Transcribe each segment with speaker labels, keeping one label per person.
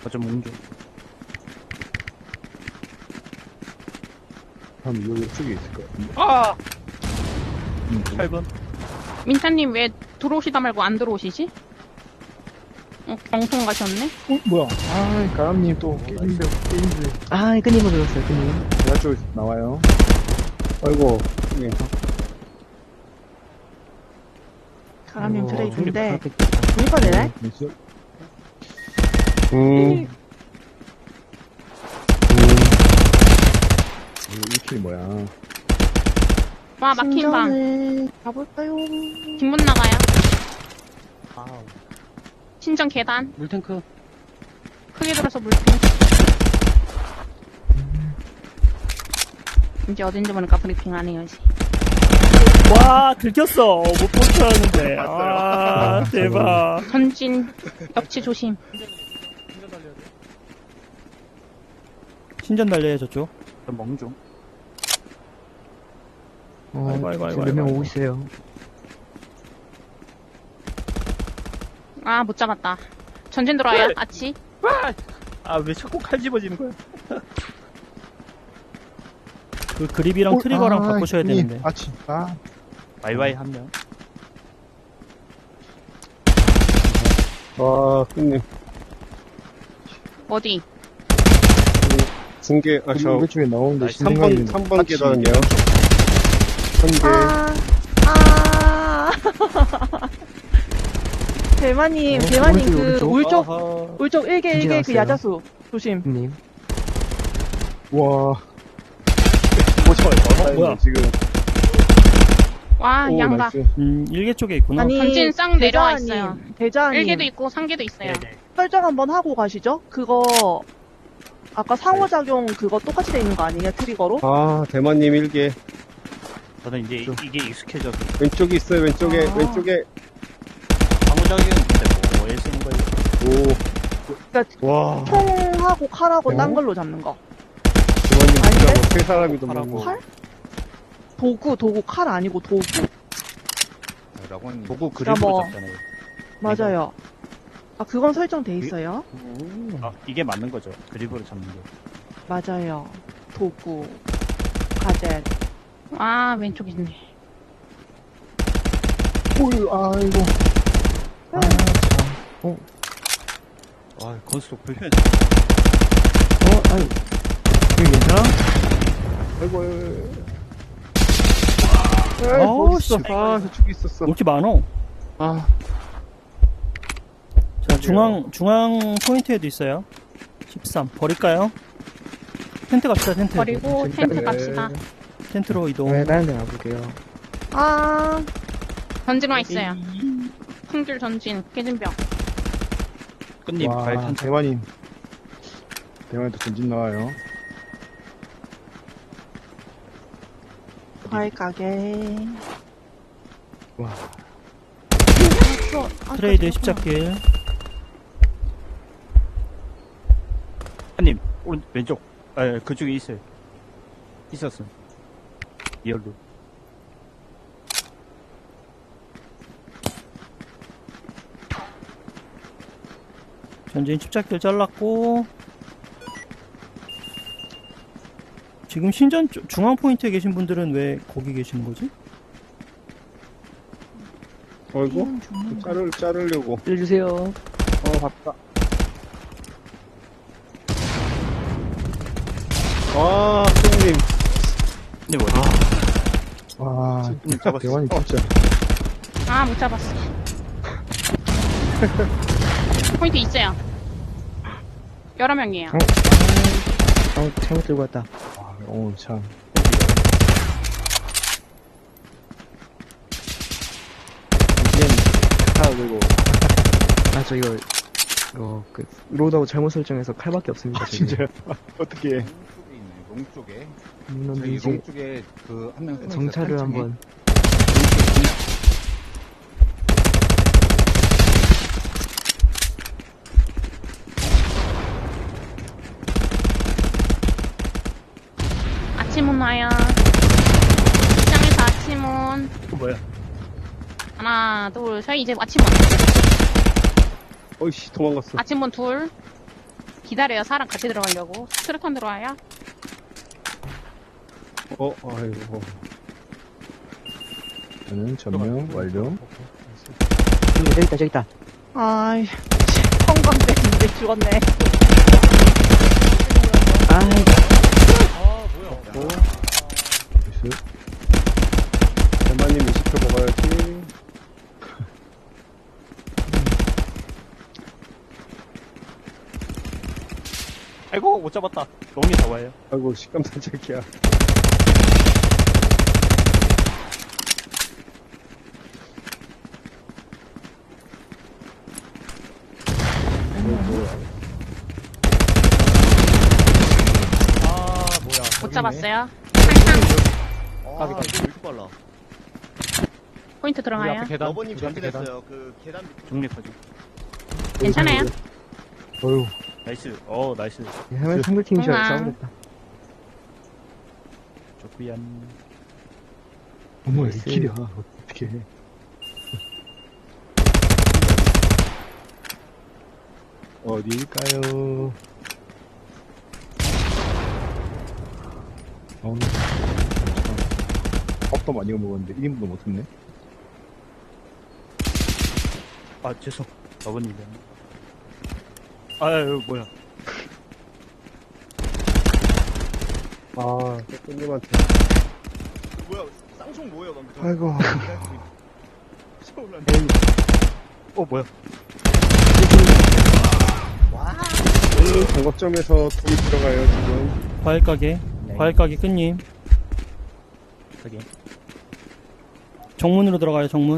Speaker 1: 좀 뭉쳐.
Speaker 2: 한 여기 쪽에 있을 것 같은데.
Speaker 1: 아! 8번.
Speaker 3: 민타님 왜 들어오시다 말고 안 들어오시지? 경통 가셨네?
Speaker 2: 뭐야? 아, 가람님 또 게임인데.
Speaker 4: 아, 끄님을 불렀어요, 끄님.
Speaker 2: 제가 쪽에서 나와요. 아이고, 예.
Speaker 4: 사람님 트레이드인데,
Speaker 1: 중립
Speaker 4: 이거 되네?
Speaker 2: 됐어? 이거 1킬 뭐야?
Speaker 3: 와, 막힌 방.
Speaker 4: 신전을 가볼까요?
Speaker 3: 뒷문 나가요.
Speaker 1: 아우.
Speaker 3: 신전 계단.
Speaker 1: 물탱크.
Speaker 3: 크게 들어서 물통. 이제 어딘지 모르니까 브리핑 안 해야지.
Speaker 1: 와, 들켰어. 못 볼 줄 알았는데. 아, 대박.
Speaker 3: 전진, 역치 조심.
Speaker 1: 신전 달려요, 저쪽. 멍중.
Speaker 4: 지금 몇 명 오고 있어요.
Speaker 3: 아, 못 잡았다. 전진 들어와요, 아치.
Speaker 1: 아, 왜 자꾸 칼 집어지는 거야? 그 그립이랑 트리거랑 바꾸셔야 되는데.
Speaker 2: 아치. 아,
Speaker 1: 와이와이 한 명.
Speaker 5: 와, 끝님.
Speaker 3: 어디?
Speaker 5: 중계, 아, 저,
Speaker 2: 우리 쪽에 나오는데
Speaker 5: 3번, 3번 계단이요. 선계.
Speaker 4: 대마님,
Speaker 2: 어,
Speaker 4: 대마님
Speaker 2: 오른쪽,
Speaker 4: 그
Speaker 2: 오른쪽.
Speaker 4: 울적, 울적 1개, 1개 그
Speaker 2: 나왔어요.
Speaker 4: 야자수. 조심.
Speaker 2: 님. 와.
Speaker 1: 뭐야?
Speaker 2: 지금.
Speaker 3: 와,
Speaker 2: 오,
Speaker 3: 양가.
Speaker 2: 나이스.
Speaker 1: 일개 쪽에 있구나.
Speaker 4: 아니,
Speaker 3: 전진 쌍 내려와
Speaker 4: 대자님,
Speaker 3: 있어요.
Speaker 4: 대자님.
Speaker 3: 1개도 있고 3개도 있어요.
Speaker 4: 설정 한번 하고 가시죠? 그거, 아까 상호작용 그거 똑같이 돼 있는 거 아니에요? 트리거로?
Speaker 5: 아, 대만님 1개.
Speaker 1: 저는 이제 이게 익숙해져서.
Speaker 5: 왼쪽에 있어요, 왼쪽에,
Speaker 4: 아.
Speaker 5: 왼쪽에.
Speaker 1: 방어적인 근데 뭐에 쓰는 거예요?
Speaker 5: 오.
Speaker 4: 그러니까
Speaker 5: 와.
Speaker 4: 총하고 칼하고
Speaker 2: 어?
Speaker 4: 딴 걸로 잡는 거.
Speaker 5: 대만님 진짜
Speaker 4: 아닌데?
Speaker 5: 뭐세 사람이 너무.
Speaker 1: 하라고.
Speaker 4: 칼? 도구, 칼 아니고 도구.
Speaker 1: 라고 하는 보고 그립으로
Speaker 4: 뭐-
Speaker 1: 잡잖아요.
Speaker 4: 맞아요. 아, 그건 설정돼 있어요.
Speaker 1: 아, 이게 맞는 거죠. 그립으로 잡는 게.
Speaker 4: 맞아요. 도구, 가젯.
Speaker 3: 아, 왼쪽 있네.
Speaker 2: 어이, 아이고. 아, 참.
Speaker 1: 아, 건수도 불편.
Speaker 2: 아유. 여기 괜찮아? 아이고,
Speaker 1: 아우,
Speaker 2: 어딨어?
Speaker 1: 씨.
Speaker 2: 아, 저쪽에 있었어.
Speaker 1: 왜 이렇게 많어?
Speaker 2: 아,
Speaker 1: 자, 중앙 포인트에도 있어요. 13. 버릴까요? 텐트 갑시다, 텐트.
Speaker 3: 버리고 텐트 갑시다.
Speaker 1: 텐트로 이동.
Speaker 2: 네, 다른 데 가볼게요.
Speaker 4: 아,
Speaker 3: 전진 와 있어요. 풍줄 전진, 깨진 벽.
Speaker 1: 끝님,
Speaker 2: 와,
Speaker 1: 발탄
Speaker 2: 대만님. 대만도 전진 나와요.
Speaker 4: 과일 가게.
Speaker 2: 와.
Speaker 1: 트레이드 십자길. 한님, 오른, 왼쪽. 아, 그쪽에 있어요. 있었어. 리얼로. 전진 십자길 잘랐고. 지금 신전 중앙 포인트에 계신 분들은 왜 거기 계시는 거지?
Speaker 5: 어이구. 자르려고.
Speaker 4: 알려주세요.
Speaker 2: 봤다.
Speaker 5: 아, 끝님.
Speaker 1: 근데 뭐,
Speaker 2: 와,
Speaker 1: 잡았어.
Speaker 2: 대만이 진짜.
Speaker 3: 아, 못 잡았어. 포인트 있어요. 여러 명이에요.
Speaker 4: 잘못 들고 왔다.
Speaker 2: 아, 오늘 참. 하나 들고.
Speaker 4: 아, 저 이거, 로드하고 잘못 설정해서 칼밖에 없습니다.
Speaker 2: 진짜요? 어떻게 해?
Speaker 6: 롱 쪽에
Speaker 4: 롱
Speaker 6: 저희
Speaker 4: 이제
Speaker 6: 롱 쪽에 그 한 명
Speaker 4: 정찰을 한번.
Speaker 3: 아치문 와요. 시장에서 아치문.
Speaker 1: 또 뭐야?
Speaker 3: 하나, 둘, 셋. 이제 아치문.
Speaker 5: 어이씨, 도망갔어.
Speaker 3: 아치문 둘. 기다려요. 사람 같이 들어가려고. 트랙턴 들어와요.
Speaker 5: 아이고.
Speaker 2: 저는 점령 완료.
Speaker 7: 저기 있다.
Speaker 4: 아이, 성광대인데 죽었네.
Speaker 7: 아이,
Speaker 2: 나이스.
Speaker 5: 대만님 20초 먹어야지.
Speaker 1: 아이고, 못 잡았다. 롱이 더 와요.
Speaker 5: 아이고, 식감산책이야.
Speaker 1: 아, 뭐야.
Speaker 3: 못 잡았어요. 항상
Speaker 8: 아, 이거 왜 이렇게 빨라?
Speaker 3: 포인트 들어가요.
Speaker 1: 계단.
Speaker 8: 러버님 전진했어요. 그 계단 밑에.
Speaker 1: 중립하죠.
Speaker 3: 괜찮아요.
Speaker 2: 어휴,
Speaker 1: 나이스. 나이스.
Speaker 7: 상대팀이 저
Speaker 3: 응아.
Speaker 7: 싸우겠다.
Speaker 1: 좋구얀.
Speaker 2: 어머,
Speaker 7: 나이스.
Speaker 2: 1킬이야. 어떡해. 어디일까요? 오늘 밥도 많이 먹었는데 1인분도 못했네.
Speaker 1: 아, 죄송. 러버님. 아유, 뭐야.
Speaker 5: 아, 끝님한테.
Speaker 8: 뭐야? 쌍총 뭐예요, 방금?
Speaker 2: 아이고.
Speaker 1: 뭐야.
Speaker 5: 끝님 정거점에서 돌이 들어가요, 지금.
Speaker 1: 과일가게. 과일가게 끝님. 여기. 정문으로 들어가요, 정문.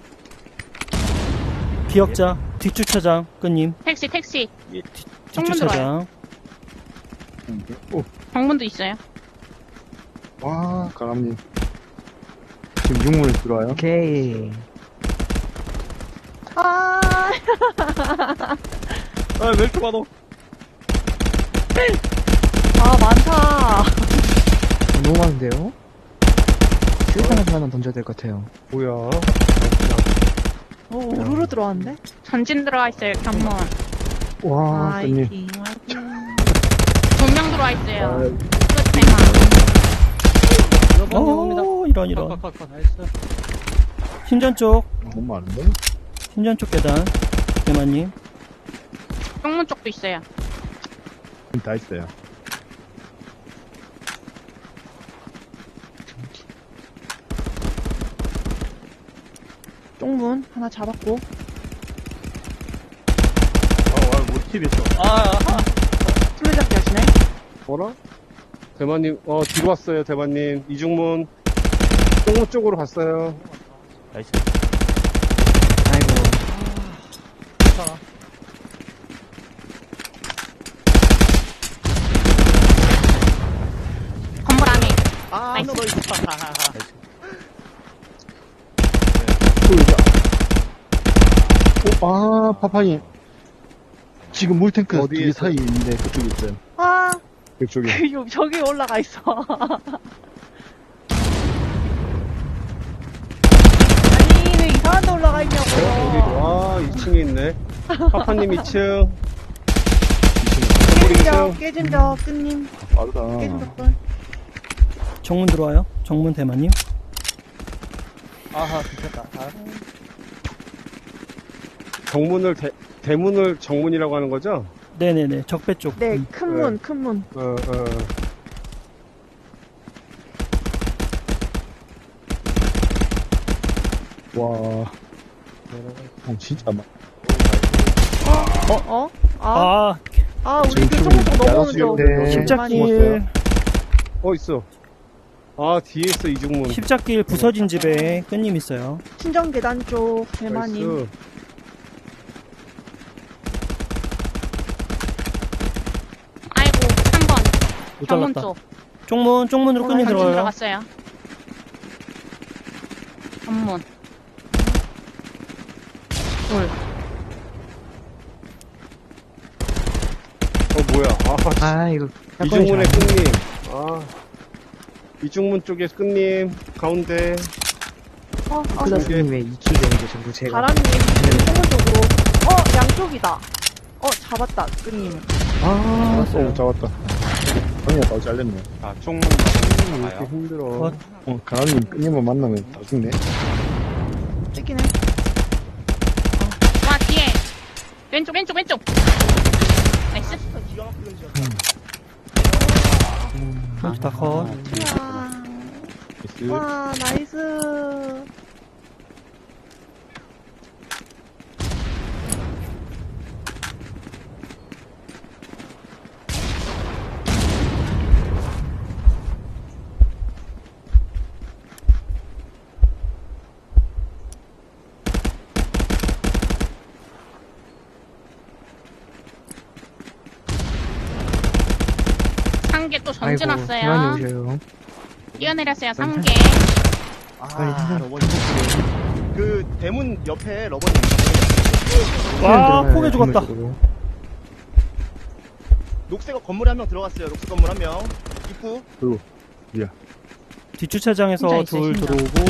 Speaker 1: 기억자. 뒷주차장. 끝님.
Speaker 3: 택시. 정문 들어와요.
Speaker 1: 뒷주차장.
Speaker 3: 정문도 있어요.
Speaker 2: 와, 가감님. 지금 육물 들어와요?
Speaker 7: 오케이.
Speaker 4: 아,
Speaker 1: 아, 왜 이렇게 많어?
Speaker 4: 아, 많다.
Speaker 7: 너무 많은데요? 수류탄에서 하나 던져야 될 것 같아요.
Speaker 5: 뭐야.
Speaker 4: 우르르 들어왔는데?
Speaker 3: 전진 들어와 있어요. 경문.
Speaker 2: 와, 끝님.
Speaker 4: 화이팅, 화이팅.
Speaker 3: 2명 들어와 있어요.
Speaker 2: 아,
Speaker 3: 끝 대만.
Speaker 1: 이런. 신전 쪽.
Speaker 2: 너무 많은데?
Speaker 1: 신전 쪽 계단. 대만님.
Speaker 3: 정문 쪽도 있어요.
Speaker 2: 다 있어요.
Speaker 4: 쪽문 하나 잡았고.
Speaker 1: 모티브했어.
Speaker 4: 술래잡기 하시네?
Speaker 5: 뭐라? 대만님, 뒤로 왔어요, 대만님. 이중문. 똥무 쪽으로 갔어요.
Speaker 1: 나이스.
Speaker 7: 아이고.
Speaker 3: 건물 안에.
Speaker 8: 아,
Speaker 3: 나이스.
Speaker 8: 너 있어.
Speaker 2: 아, 파파님. 지금 물탱크
Speaker 5: 어디에
Speaker 2: 두개
Speaker 5: 있어요?
Speaker 2: 사이에 있는데 그쪽에 있어요.
Speaker 4: 아,
Speaker 5: 그쪽에.
Speaker 4: 저기 올라가 있어. 아니, 왜 이상한 데 올라가
Speaker 5: 어디?
Speaker 4: 있냐고.
Speaker 5: 와, 2층에 있네. 파파님 2층.
Speaker 4: 깨진 적, 끝님.
Speaker 2: 빠르다.
Speaker 4: 깨진 적분.
Speaker 1: 정문 들어와요. 정문 대만님. 아하, 괜찮다.
Speaker 5: 정문을, 대문을 정문이라고 하는 거죠?
Speaker 1: 네네네. 적배 쪽.
Speaker 4: 네, 큰 문, 큰 문.
Speaker 2: 와. 진짜 막.
Speaker 4: 어?
Speaker 1: 아,
Speaker 4: 우리
Speaker 2: 지금
Speaker 4: 그 조금 더
Speaker 2: 야간
Speaker 4: 넘어오는 쪽.
Speaker 2: 수영대
Speaker 1: 십자길.
Speaker 5: 있어. 아, 뒤에 있어, 이중문.
Speaker 1: 십자길 부서진 집에 끝님 있어요.
Speaker 4: 친정 계단 쪽, 대만님.
Speaker 5: 나이스.
Speaker 3: 아이고, 3번.
Speaker 1: 못
Speaker 3: 경문
Speaker 1: 잘랐다.
Speaker 3: 쪽.
Speaker 1: 쪽문으로 끝님
Speaker 3: 전진
Speaker 1: 들어가요.
Speaker 3: 들어갔어요. 건문.
Speaker 5: 뭐야.
Speaker 7: 아, 이거.
Speaker 5: 이중문의 끝님. 이중문 쪽에 끝님. 가운데.
Speaker 7: 크다스님의 2킬 되는 게 전부 제가.
Speaker 4: 바람님, 창문 쪽으로. 양쪽이다. 잡았다, 끈님.
Speaker 7: 아,
Speaker 2: 오, 잡았다. 형이가 더 잘렸네.
Speaker 6: 아, 쪽문
Speaker 5: 왜 이렇게
Speaker 6: 가요.
Speaker 5: 힘들어.
Speaker 2: 가람님 끈님을 만나면 다 죽네.
Speaker 4: 찍기네.
Speaker 3: 와, 뒤에. 왼쪽. 나이스.
Speaker 8: 기가 막히는 지역.
Speaker 1: 포인트 다 컷.
Speaker 2: 나이스.
Speaker 4: 와, 나이스.
Speaker 3: 상계 또 전진
Speaker 7: 아이고,
Speaker 3: 왔어요.
Speaker 7: 대만이 오셔요.
Speaker 3: 뛰어내렸어요, 상계.
Speaker 7: 빨리
Speaker 8: 아,
Speaker 7: 생각-
Speaker 8: 러버님. 그 대문 옆에 러버님.
Speaker 1: 와,
Speaker 7: 들어가요,
Speaker 1: 포개 죽었다.
Speaker 7: 건물
Speaker 8: 녹색 건물에 한 명 들어갔어요. 녹색 건물 한 명. 입구.
Speaker 1: 뒷주차장에서
Speaker 3: 혼자 있어요,
Speaker 1: 둘
Speaker 3: 혼자.
Speaker 1: 들어오고.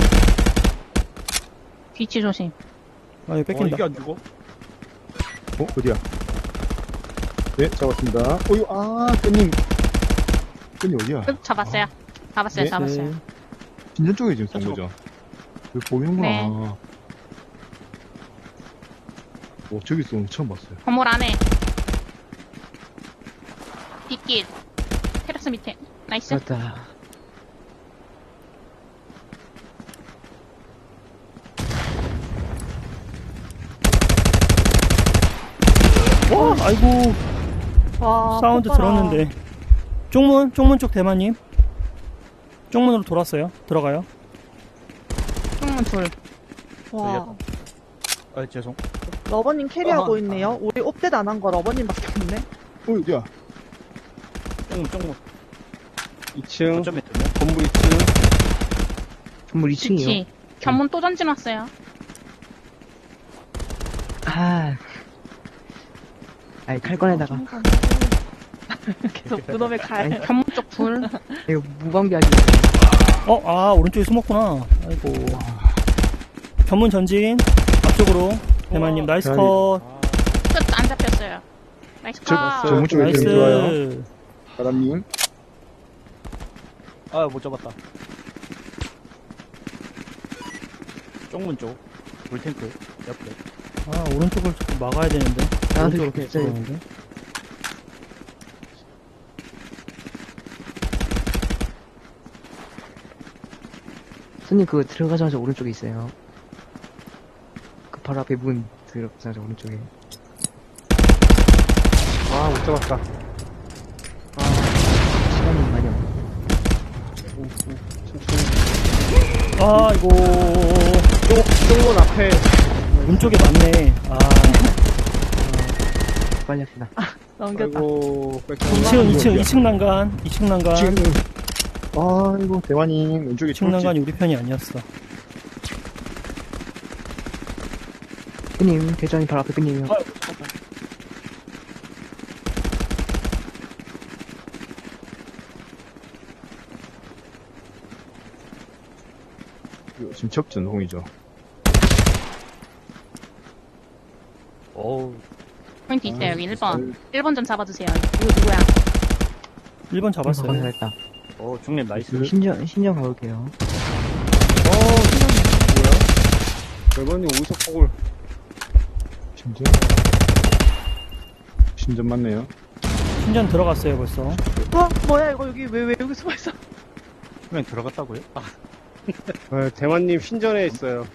Speaker 3: 뒤치 조심.
Speaker 1: 아, 이거 뺏긴다.
Speaker 5: 안 죽어?
Speaker 2: 어디야? 네, 잡았습니다. 어유, 끈님. 끈님 어디야?
Speaker 3: 끝 잡았어요. 잡았어요,
Speaker 2: 네,
Speaker 3: 잡았어요.
Speaker 1: 네.
Speaker 2: 진전 쪽에 지금 쏜 거죠? 여기 보이는구나.
Speaker 3: 네.
Speaker 2: 저기 쏜 거 처음 봤어요.
Speaker 3: 건물 안에. 뒷길. 테라스 밑에. 나이스.
Speaker 7: 잡았다.
Speaker 1: 와, 아이고.
Speaker 4: 와,
Speaker 1: 사운드
Speaker 4: 폭발아.
Speaker 1: 들었는데. 쪽문 쪽 대만님. 쪽문으로 돌았어요. 들어가요.
Speaker 3: 쪽문 둘.
Speaker 4: 와,
Speaker 6: 아, 죄송.
Speaker 4: 러버님 캐리하고 있네요. 우리 옵데도 안 한 거 러버님밖에 없네.
Speaker 2: 어디야?
Speaker 6: 쪽문.
Speaker 5: 2층.
Speaker 6: 어쩌면 되네.
Speaker 5: 건물 2층.
Speaker 7: 건물 2층이요.
Speaker 3: 뒤치. 견문 또 전진 왔어요.
Speaker 7: 칼 꺼내다가.
Speaker 4: 계속 그놈의 칼.
Speaker 3: 견문 쪽 둘.
Speaker 7: 이거 무방비하지.
Speaker 1: 오른쪽에 숨었구나. 아이고. 견문 전진. 앞쪽으로. 대만님, 나이스
Speaker 2: 자,
Speaker 1: 컷.
Speaker 3: 끝 안 잡혔어요. 나이스 컷.
Speaker 2: 정문 쪽에 지금 좋아요.
Speaker 1: 나이스.
Speaker 2: 가람님.
Speaker 6: 아, 못 잡았다. 쪽문 쪽. 물탱크 옆에.
Speaker 1: 오른쪽을 조금 막아야 되는데.
Speaker 7: 나한테
Speaker 1: 오른쪽으로
Speaker 7: 그렇게
Speaker 1: 계속
Speaker 7: 있어요.
Speaker 1: 들어오는데.
Speaker 7: 손님 그거 들어가자마자 오른쪽에 있어요. 그 바로 앞에 문 들어가자마자 오른쪽에.
Speaker 5: 못 잡았다.
Speaker 7: 시간이 많이 없네.
Speaker 1: 아이고.
Speaker 5: 쪽문 앞에.
Speaker 1: 문 쪽에 맞네.
Speaker 7: 빨리 합시다.
Speaker 4: 넘겼다.
Speaker 5: 아이고,
Speaker 1: 2층 난간. 2층 난간.
Speaker 2: 아이고, 대만님. 왼쪽에
Speaker 1: 2층 난간이 우리 편이 아니었어.
Speaker 7: 끈님, 대전이 바로 앞에 끈님이요.
Speaker 2: 지금 접전홍이죠.
Speaker 6: 어우,
Speaker 3: 포인트 있어요, 여기 1번. 1번 좀 잡아주세요. 이거 누구야?
Speaker 1: 1번 잡았어요.
Speaker 7: 잘했다.
Speaker 6: 중립 나이스.
Speaker 7: 신전 가볼게요.
Speaker 5: 대만님 어디서 폭을.
Speaker 2: 신전? 신전 맞네요.
Speaker 1: 신전 들어갔어요, 벌써.
Speaker 4: 와, 뭐야, 이거 왜 여기 숨어있어?
Speaker 6: 그냥 들어갔다고요?
Speaker 5: 대만님 신전에 있어요.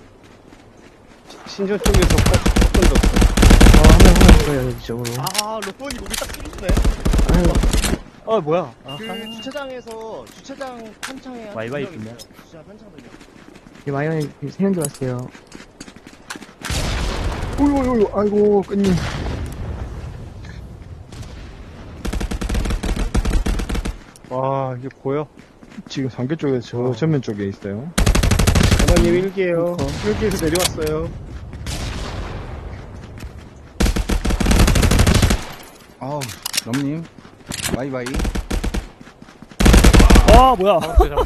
Speaker 5: 신전 쪽에서 폭 던졌어.
Speaker 7: 한명 있어요, 이쪽으로.
Speaker 8: 러버님 우리 딱 찌르시네.
Speaker 7: 아유,
Speaker 6: 뭐야.
Speaker 8: 그 주차장에서 주차장 편창에
Speaker 6: 와이와이
Speaker 8: 한 명
Speaker 6: 있군요.
Speaker 8: 있어요. 주차장 편창들요.
Speaker 7: 이 마이언에 3명 들어왔어요.
Speaker 2: 어이구, 아이고, 끈님.
Speaker 5: 이게 보여?
Speaker 2: 지금 상계 쪽에 저 전면 쪽에 있어요.
Speaker 5: 대만님 일기에요. 일기에서 내려왔어요.
Speaker 6: 아우, 넘님. 바이바이.
Speaker 1: 뭐야.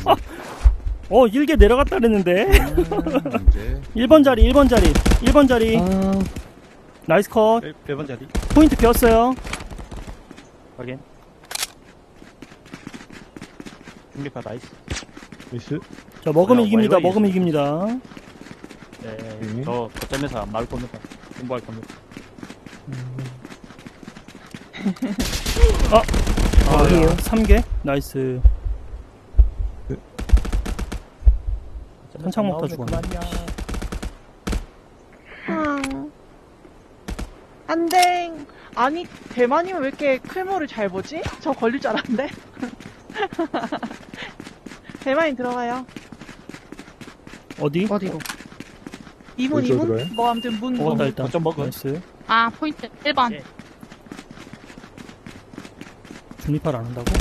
Speaker 1: 일개 내려갔다 그랬는데.
Speaker 6: 이제.
Speaker 1: 1번 자리. 1번 자리. 나이스 컷.
Speaker 6: 1번 자리.
Speaker 1: 포인트 비었어요.
Speaker 6: 확인. 중립파 나이스.
Speaker 2: 나이스.
Speaker 1: 자, 먹으면
Speaker 6: 뭐야,
Speaker 1: 이깁니다.
Speaker 6: 와이와이
Speaker 1: 먹으면 이깁니다.
Speaker 6: 네. 저 거점에서 안 나올 겁니다. 공부할 겁니다.
Speaker 1: 어디에요? 3개? 나이스. 한창 먹다 죽었네.
Speaker 4: 안돼. 아니, 대만이면 왜 이렇게 클모를 잘 보지? 저 걸릴 줄 알았는데. 대만이 들어가요.
Speaker 1: 어디?
Speaker 7: 어디로?
Speaker 4: 이문,
Speaker 2: 어디서
Speaker 4: 이문?
Speaker 2: 들어가요?
Speaker 4: 뭐, 아무튼 문,
Speaker 1: 먹었다,
Speaker 4: 문.
Speaker 1: 일단.
Speaker 6: 거점 먹어.
Speaker 1: 나이스.
Speaker 3: 아, 포인트 1번.
Speaker 6: 네.
Speaker 1: 중립파를 안 한다고?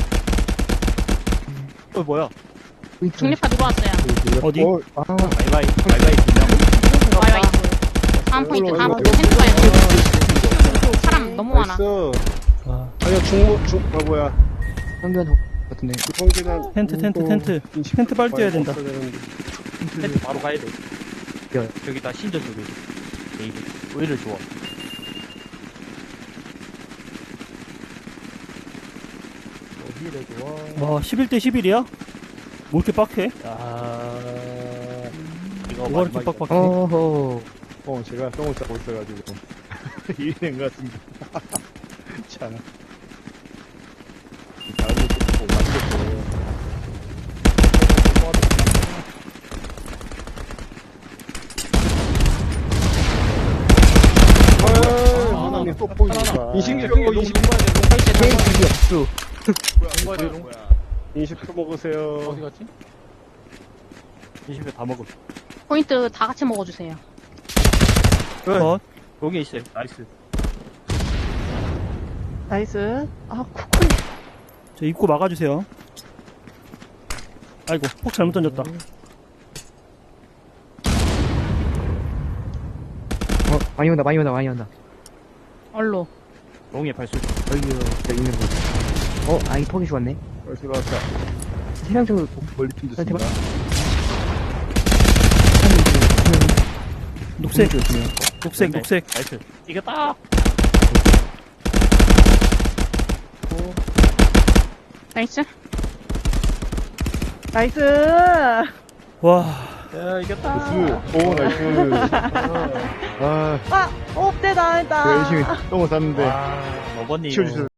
Speaker 6: 뭐야?
Speaker 7: 포인트.
Speaker 3: 중립파 들어왔어요.
Speaker 1: 어디?
Speaker 2: 아,
Speaker 6: 바이바이. 바이바이 2명.
Speaker 3: 와이와이. 다음 포인트, 다음 포인트. 텐트가요. 사람 너무 많아.
Speaker 5: 나이스.
Speaker 1: 아,
Speaker 5: 아니요, 뭐야.
Speaker 7: 상대한 같은데.
Speaker 5: 성기는.
Speaker 1: 텐트. 텐트 빨리 뛰어야 된다.
Speaker 6: 텐트 바로 가야 돼.
Speaker 7: 야.
Speaker 6: 저기다 신전 쪽에. 네이비. 오히려 좋아. 오히려 좋아.
Speaker 1: 와, 11대 11이야? 뭐 이렇게 빡해?
Speaker 6: 아. 이거
Speaker 1: 뭐가 이렇게
Speaker 6: 마지막이다.
Speaker 1: 빡빡해?
Speaker 7: 어허.
Speaker 2: 제가 똥을 싸고 있어가지고.
Speaker 6: 일이 된 것 같습니다.
Speaker 2: 참. 다음에 또 만들었어요. 하나님 또 보이니까.
Speaker 5: 인식표,
Speaker 7: 게임 기기 없어.
Speaker 5: 인식표 먹으세요.
Speaker 6: 어디 갔지? 20회 다 먹어.
Speaker 3: 포인트 다 같이 먹어주세요.
Speaker 1: 컷.
Speaker 6: 여기 있어요. 나이스.
Speaker 4: 나이스. 아, 코코이.
Speaker 1: 저 입구 막아주세요. 아이고, 폭 잘못 던졌다.
Speaker 7: 많이 온다, 많이 온다, 많이 온다.
Speaker 3: 얼로.
Speaker 6: 롱의 발소리.
Speaker 7: 어이구, 진짜 있는 거. 이 퍽이 좋았네.
Speaker 2: 벌써 나왔다.
Speaker 7: 세명 정도
Speaker 2: 멀리 핀
Speaker 7: 대박.
Speaker 2: 듯습니다.
Speaker 1: 녹색,
Speaker 7: 좋네요.
Speaker 1: 녹색.
Speaker 6: 나이스. 이겼다!
Speaker 3: 나이스.
Speaker 4: 나이스.
Speaker 1: 와,
Speaker 6: 야, 이겼다!
Speaker 2: 나이스. 오, 나이스. 아,
Speaker 4: 아, 없대, 나,
Speaker 2: 제가 열심히 똥을 쌌는데.
Speaker 6: 와, 어버님.
Speaker 2: 치워주세요.